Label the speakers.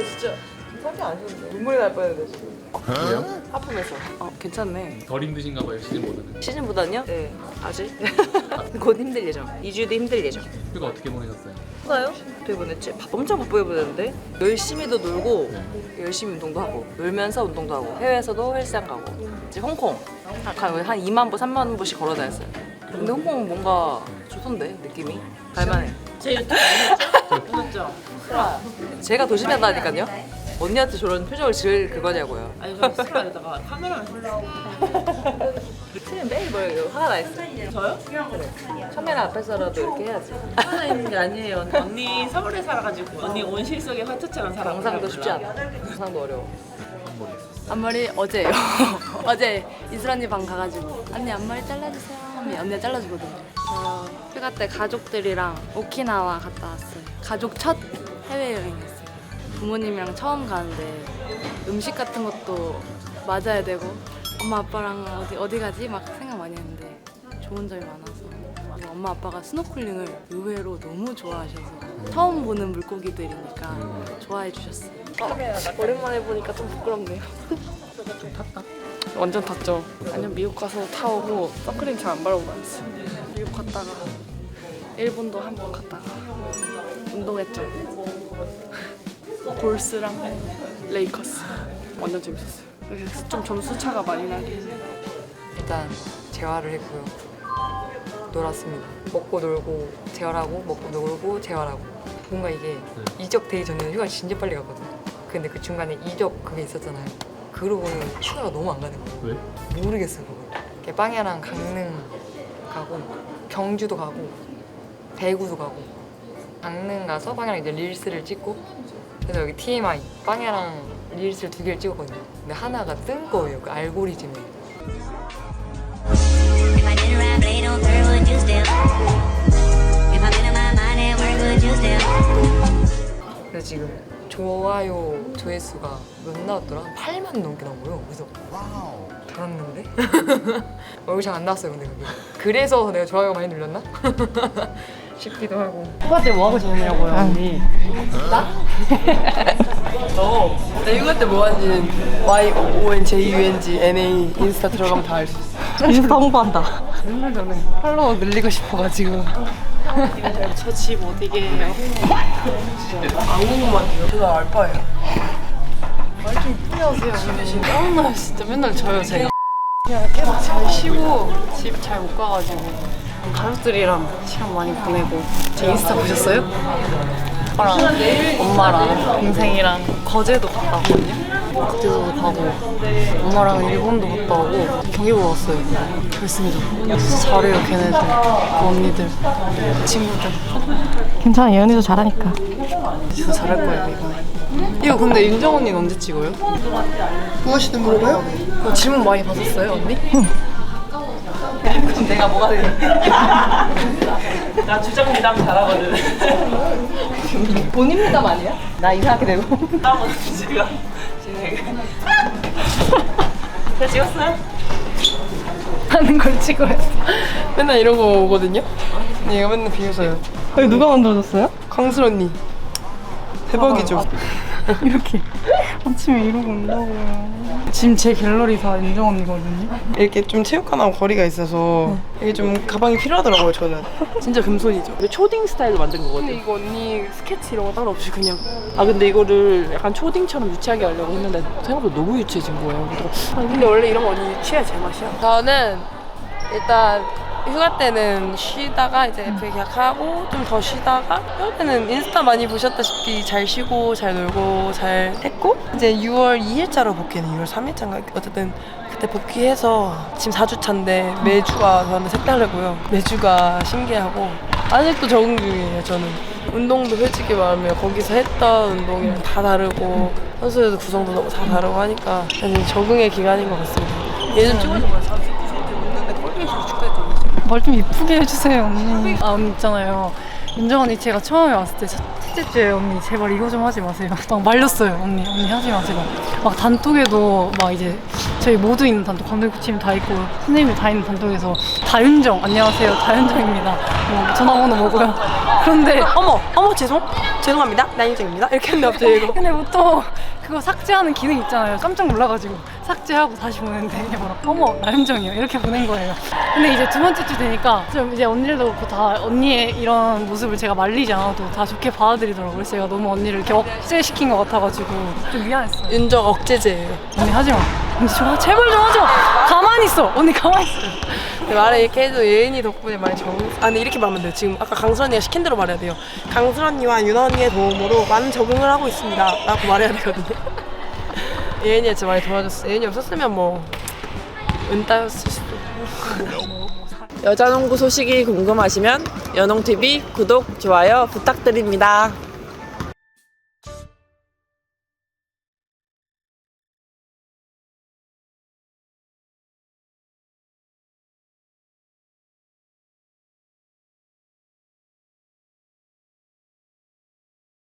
Speaker 1: 진짜 살이 안 좋은데 눈물이 날 뻔했는데 지금.
Speaker 2: 그래요?
Speaker 1: 하품해서. 괜찮네.
Speaker 2: 덜 힘드신가 봐요, 시즌보다는.
Speaker 1: 시즌보다는요? 네, 아직. 곧 힘들 예정. 2주 뒤 힘들 예정.
Speaker 2: 휴가 어떻게 보내셨어요?
Speaker 1: 휴가요? 어떻게 보냈지? 엄청 바쁘게 보냈는데 열심히도 놀고
Speaker 2: 네.
Speaker 1: 열심히 운동도 하고 놀면서 운동도 하고 해외에서도 헬스장 가고 이제 홍콩 한 2만 보, 3만 보씩 걸어 다녔어요. 근데 홍콩 뭔가 좋던데 느낌이? 갈만해.
Speaker 3: 제 유튜브 아니었죠? 보셨죠?
Speaker 1: 제가 도심에 한다니까요. 언니한테 저런 표정을 지을 그거냐고요.
Speaker 3: 아니 저 스라에다가 카메라만 쓰려고.
Speaker 1: 지금 매일 뭐예요? 화가 나 있어.
Speaker 3: 저요?
Speaker 1: 그래. 카메라 앞에서라도 이렇게 해야지.
Speaker 3: 하나 있는 게 아니에요. 언니 서울에 살아가지고 언니 온실 속의 화초처럼 살아.
Speaker 1: 영상도 쉽지 않아. 영상도 어려워.
Speaker 4: 앞머리 어제예요. 어제 이슬 언니 방 가가지고 언니 앞머리 잘라주세요 하면 언니가 잘라주거든요. 저 휴가 때 가족들이랑 오키나와 갔다 왔어요. 가족 첫 해외여행이었어요. 부모님이랑 처음 가는데 음식 같은 것도 맞아야 되고 엄마 아빠랑 어디 가지? 막 생각 많이 했는데 좋은 점이 많아서 그리고 엄마 아빠가 스노클링을 의외로 너무 좋아하셔서 처음 보는 물고기들이니까 좋아해 주셨어요.
Speaker 5: 오랜만에 보니까 좀 부끄럽네요.
Speaker 2: 좀 탔다?
Speaker 5: 완전 탔죠. 아니면 미국 가서 타오고 선크림 잘 안 바르고 다녔어요. 미국 갔다가 일본도 한 번 갔다가 운동했죠. 볼스랑 레이커스 완전 재밌었어요. 그래서 좀 점수 차가 많이 나긴
Speaker 6: 일단 재활을 했고요. 놀았습니다. 먹고 놀고 재활하고 먹고 놀고 재활하고 뭔가 이게 이적되기 전에는 휴가 진짜 빨리 갔거든요. 근데 그 중간에 이적 그게 있었잖아요. 그러고는 휴가가 너무 안 가는 거예요.
Speaker 2: 왜?
Speaker 6: 모르겠어요 그걸. 빵야랑 강릉 가고 경주도 가고 대구도 가고 강릉 가서 빵야랑 이제 릴스를 찍고 그래서 여기 TMI 빵야랑 릴스를 2개를 찍었거든요. 근데 하나가 뜬 거예요 그 알고리즘에.
Speaker 7: If I didn't rap late on third, would you still? If I'm in my mind at work, would you still?
Speaker 6: 그래서 지금 좋아요 조회수가 몇 나왔더라? 8만 넘게 나온 거예요. 그래서 달았는데? 얼굴 잘 안 나왔어요 근데 그게. 그래서 내가 좋아요가 많이 눌렸나? 싶기도 하고.
Speaker 5: 휴가 때 뭐 하고 지내냐고요, 언니?
Speaker 1: 나 휴가 때 뭐 하는지는 YONJUNGNA 인스타 들어가면 다 알 수 있어.
Speaker 5: 인스타 홍보한다.
Speaker 1: 맨날 저는 팔로워 늘리고 싶어가지고.
Speaker 5: 저 집 어디게요?
Speaker 1: 안 궁금한데요? 제가 알바예요. 말좀 이쁘게 하세요.
Speaker 5: 짜증나요 진짜 맨날 저요 제가. 그냥 계속 잘 쉬고 집 잘 못 가가지고 가족들이랑 시간 많이 보내고. 제 인스타 보셨어요? 아빠랑 엄마랑 동생이랑 거제도 갔다 왔거든요. 그때도 가고 엄마랑 일본도 갔다 오고 경기 보러 왔어요. 결승전 진짜 잘해요 걔네들. 그 언니들 친구들.
Speaker 4: 괜찮아, 예언이도 잘하니까.
Speaker 5: 진짜 잘할 거예요 이번에. 이거 근데 윤정 언니는 언제 찍어요?
Speaker 6: 뭐 하시는 거예요?
Speaker 5: 질문 많이 받았어요 언니?
Speaker 1: 그럼 내가 뭐가 되니?
Speaker 3: 나 주장 미담 잘하거든.
Speaker 1: 본인 미담 아니야? 나 이상하게 되고.
Speaker 3: 다음은 제가 진행해. 잘 찍었어요?
Speaker 5: 하는 걸 찍어요. 맨날 이런 거 오거든요? 얘가 맨날 비웃어요.
Speaker 4: 이거 누가 만들어줬어요?
Speaker 5: 강슬 언니. 대박이죠?
Speaker 4: 이렇게 아침에 이러고 온다고요. 지금 제 갤러리 다 윤정 언니거든요.
Speaker 8: 이렇게 좀 체육관하고 거리가 있어서 이게 좀 가방이 필요하더라고요 저는.
Speaker 5: 진짜 금손이죠.
Speaker 3: 이거 초딩 스타일로 만든
Speaker 5: 근데
Speaker 3: 거거든.
Speaker 5: 이거 언니 스케치 이런 거 따로 없이 그냥.
Speaker 3: 아 근데 이거를 약간 초딩처럼 유치하게 하려고 했는데 생각보다 너무 유치해진 거예요. 그래서
Speaker 5: 근데 원래 이런 거 언니 취해야 제맛이야. 저는 일단 휴가 때는 쉬다가 이제 FA 계약하고 좀 더 쉬다가 휴가 때는 인스타 많이 보셨다시피 잘 쉬고 잘 놀고 잘 했고 이제 6월 2일자로 복귀는 6월 3일자인가 어쨌든 그때 복귀해서 지금 4주 차인데 매주가 저한테 색다르고요. 매주가 신기하고 아직도 적응 중이에요. 저는 운동도 솔직히 말하면 거기서 했던 운동이랑 다 다르고 선수들도 구성도 너무 다 다르고 하니까 사실 적응의 기간인 것 같습니다. 예전 찍어준 거야. 39cm 먹는데 꼴뱅이로 축구했거든요.
Speaker 4: 말 좀 이쁘게 해주세요, 언니. 아, 언니 있잖아요. 윤정 언니 제가 처음에 왔을 때 첫째 주에 언니 제발 이거 좀 하지 마세요. 막 말렸어요, 언니 하지 마세요. 막 단톡에도 막 이제 저희 모두 있는 단톡, 감독팀 다 있고 선생님이 다 있는 단톡에서 다윤정 안녕하세요 다윤정입니다. 뭐 전화번호 뭐고요. 그런데
Speaker 8: 어머 죄송합니다. 나인정입니다. 이렇게 했는데 갑자기 이거.
Speaker 4: 근데 보통 그거 삭제하는 기능 있잖아요. 깜짝 놀라가지고 삭제하고 다시 보냈는데 이게 뭐라 어머 나윤정이요 이렇게 보낸 거예요. 근데 이제 두 번째 주 되니까 좀 이제 언니들도 그렇고 다 언니의 이런 모습을 제가 말리지 않아도 다 좋게 받아들이더라고요. 그래서 제가 너무 언니를 이렇게 억제시킨 것 같아가지고 좀 미안했어요.
Speaker 8: 윤정 억제제예요.
Speaker 4: 언니 하지마. 언니 좀 제발 좀 하지 마. 가만히 있어. 언니 가만히 있어.
Speaker 8: 말을 이렇게 해도 예은이 덕분에 많이 근데 이렇게 말하면 돼요. 지금 아까 강슬 언니가 시킨 대로 말해야 돼요. 강슬 언니와 윤아 언니의 도움으로 많은 적응을 하고 있습니다 라고 말해야 되거든요. 예은이가 진짜 많이 도와줬어. 예은이 없었으면 뭐 은따였을 수도.
Speaker 3: 여자농구 소식이 궁금하시면 연홍TV 구독, 좋아요 부탁드립니다.